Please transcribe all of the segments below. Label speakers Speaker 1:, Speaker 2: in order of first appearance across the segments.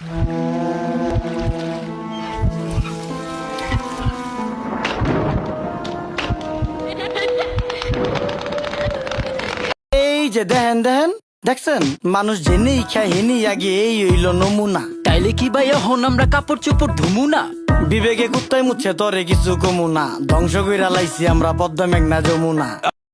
Speaker 1: এই যে দেখেন দেখেন দেখছেন, মানুষ জেনেই খায় হেনি আগে, এই হইল নমুনা।
Speaker 2: তাইলে কি ভাই এখন আমরা কাপড় চোপড় ধুমু না?
Speaker 1: বিবেকে কুত্তায় মুচ্ছে তরে কিছু কমু না, ধ্বংস কইরা লাইছি আমরা পদ্মা মেঘনা যমুনা।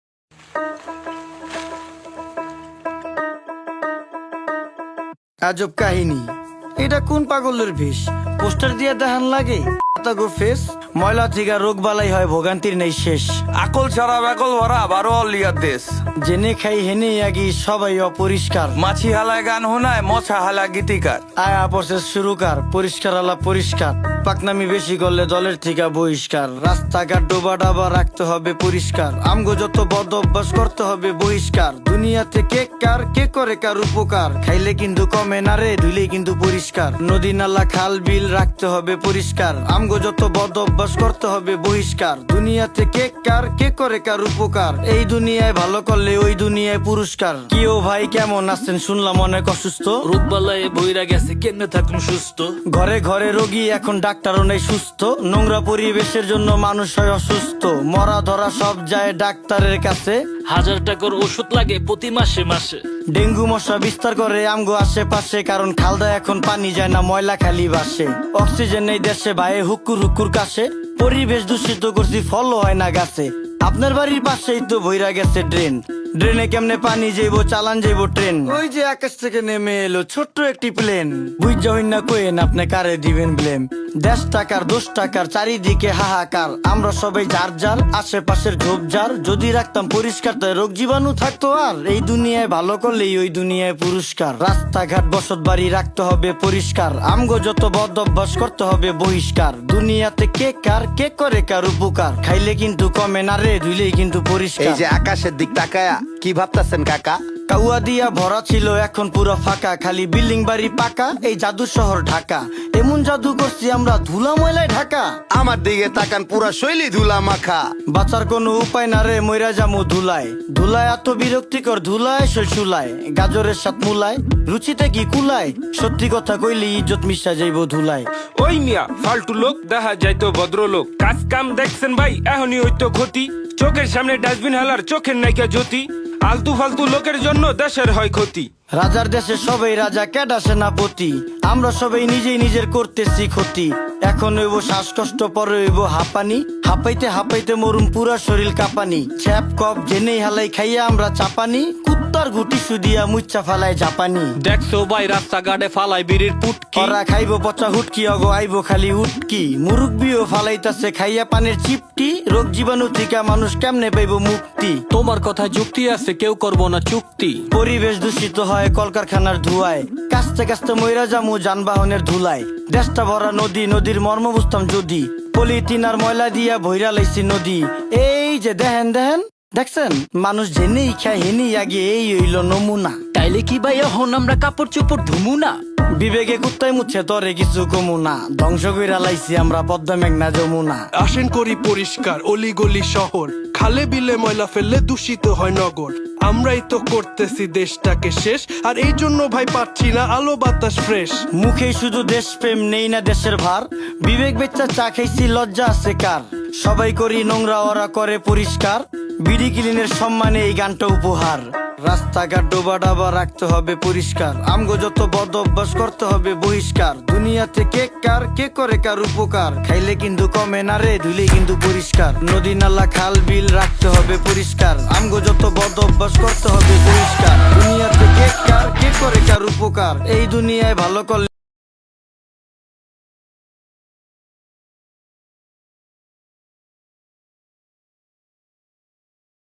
Speaker 1: আজব কাহিনী, এটা কোন পাগলের বেশ? পোস্টার দিয়ে দেখান লাগে গো ফেস, ময়লা থেকে রোগ বালাই হয়, ভোগান্তির নেই শেষ।
Speaker 3: আকল ছাড়া বেকল ভরা 12 অলিয়ার দেশ।
Speaker 1: জেনে খাই হেনে আগি সবাই অপরিষ্কার,
Speaker 3: মাছি হালায় গান শোনায়, মশা হালা গীতিকার।
Speaker 1: আয়া প্রসেস শুরুকার, পরিষ্কার আলা পরিষ্কার, পাকনামি বেশি করলে দলের থেকে বহিষ্কার। রাস্তাঘাট ডোবা ডাবা রাখতে হবে পরিষ্কার, আমগো যত বদ অভ্যাস করতে হবে বহিষ্কার। দুনিয়াতে কে কার কে করে কার উপকার, খাইলে কিন্তু কমে না রে, ধুইলে কিন্তু পরিষ্কার। নদী নালা খাল বিল রাখতে হবে পরিষ্কার, আমগো যত বদ অভ্যাস করতে হবে বহিষ্কার। দুনিয়াতে কে কার কে করে কার উপকার, এই দুনিয়ায় ভালো করলে ওই দুনিয়ায় পুরস্কার। কি ও ভাই কেমন আছেন, শুনলাম অনেক অসুস্থ।
Speaker 2: রোগবালায় বইরা গেছে, কেমনে থাকুন সুস্থ?
Speaker 1: ঘরে ঘরে রোগী এখন ডাক্তারও নেই সুস্থ, নোংরা পরিবেশের জন্য মানুষ হয় অসুস্থ। মরা ধরা সব যায় ডাক্তারের কাছে,
Speaker 2: 1000 টাকার ওষুধ লাগে প্রতি মাসে মাসে।
Speaker 1: ডেঙ্গু মশা বিস্তার করে আমগো আশেপাশে, কারণ খালদা এখন পানি যায় না, ময়লা খালি বাসে। অক্সিজেন নেই দেশে ভাইয়ে হুক্কুর হুক্কুর কাশে, পরিবেশ দূষিত করছি ফল হয় না গাছে। আপনার বাড়ির পাশেই তো বইরা গেছে ড্রেন, ড্রেনে কেমনে পানি যাইবো, চালান যাইবো ট্রেন। ওই যে আকাশ থেকে নেমে এলো ছোট্ট একটি প্লেন, বুঝা হইন না কোয়েন আপনি কারে দিবেন ব্লেম। 10 টাকার 10 টাকার চারিদিকে হাহাকার, আমরা সবাই যার যার আশেপাশের ঝোপঝাড় যদি রাখতাম পরিষ্কার, তাই রোগ জীবাণু থাকতো আর। এই দুনিয়ায় ভালো করলেই ওই দুনিয়ায় পুরস্কার। রাস্তাঘাট বসত বাড়ি রাখতে হবে পরিষ্কার, আমগো যত বদ অভ্যাস করতে হবে বহিষ্কার। দুনিয়াতে কে কার কে করে কার উপকার, খাইলে কিন্তু কমে না রে, ধুইলেই কিন্তু
Speaker 4: এই
Speaker 1: পরিষ্কার।
Speaker 4: যে আকাশের দিক তাকায়া কি ভাবতাছেন কাকা?
Speaker 1: কাউয়া দিয়া ভরা ছিল এখন পুরো ফাঁকা, খালি বিল্ডিং বাড়ি পাকা, এই জাদু শহর ঢাকা। এমন জাদু করছি আমরা ধুলা ময়লায় ঢাকা।
Speaker 4: আমার দিকে তাকান, পুরা শৈলী ধুলা মাখা।
Speaker 1: বাঁচার কোনো উপায় না রে, মইরা জামু ধুলায়। ধুলায় এত বিরক্তিকর, ধুলায় শৈশুলায়, গাজরের সাথ মুলায়, রুচিতে কি কুলায়। সত্যি কথা কইলে ইজ্জত মিশা যাইব ধুলায়।
Speaker 5: ওই মিয়া ফালতু লোক দেখা যাইতো ভদ্রলোক, কাজ কাম দেখছেন ভাই এখনই হইতো ক্ষতি। চোখের সামনে ডাস্টবিন হালার চোখের নাইকা জ্যোতি, আলতু ফালতু লোকের জন্য দেশের হয় ক্ষতি।
Speaker 1: রাজার দেশে সবাই রাজা, কেডা সেনাপতি, আমরা সবাই নিজেই নিজের করতেছি ক্ষতি। এখন হইব শ্বাসকষ্ট, পরে হইব হাঁপানি, হাঁপাইতে হাঁপাইতে মরুম পুরা শরীর কাঁপানি। ছ্যাপ কপ জেনেই হালাই খাইয়া আমরা চাপানি, কুত্তার গুটি সুদিয়া মুচ্চা ফালায় জাপানি।
Speaker 5: দেখছো ভাই রাস্তাঘাটে ফালাই বিড়ির পুটকি,
Speaker 1: ওরা খাইব পচা হুটকি, অগো আইব খালি উটকি। মুরুব্বিও ফালাইতাছে খাইয়া পানের চিপটি, রোগ জীবাণু থেকে মানুষ কেমনে পাইব মুক্তি।
Speaker 2: তোমার কথা যুক্তি আছে, কেউ করবো না চুক্তি।
Speaker 1: পরিবেশ দূষিত হয় কলকারখানার ধুয়ায়, কাস্তে কাস্তে মইরা জামু যানবাহনের ধুলায়। দেশটা ভরা নদী, নদীর মর্ম বুঝতাম যদি, পলিথিন আর ময়লা দিয়া ভইরা লাইছি নদী। এই যে দেখেন দেখেন দেখছেন, মানুষ জেনেই খায় হেনি আগে, এই হইল নমুনা।
Speaker 2: তাইলে কি ভাই এখন আমরা কাপড় চোপড় ধুমু না?
Speaker 1: বিবেকে কুত্তায় মুচ্ছে তরে কিছু কমু না, ধ্বংস কইরা লাইছি আমরা পদ্মা মেঘনা যমুনা।
Speaker 6: আসেন করি পরিষ্কার অলিগলি শহর, খালে বিলে ময়লা ফেললে দূষিত হয় নগর। আমরাই তো করতেছি দেশটাকে শেষ, আর এই জন্য ভাই পাচ্ছি না আলো বাতাস ফ্রেশ।
Speaker 1: মুখে শুধু দেশপ্রেম, নেই না দেশের ভার, বিবেক বেচ্চা চা খাইছি লজ্জা আছে কার। সবাই করি নোংরা, ওরা করে পরিষ্কার, বিডি ক্লিনের সম্মানে এই গানটা উপহার। রাস্তাঘাট ডোবা ডাবা রাখতে হবে পরিষ্কার, আমগো যত বদ অভ্যাস করতে হবে বহিষ্কার। দুনিয়াতে কে কার কে করে কার উপকার, খাইলে কিন্তু কমে না রে, ধুইলে কিন্তু পরিষ্কার। নদী নালা খাল বিল রাখতে হবে পরিষ্কার, আমগো যত বদ অভ্যাস করতে হবে বহিষ্কার। দুনিয়াতে কে কার কে করে কার উপকার, এই দুনিয়ায় ভালো করলে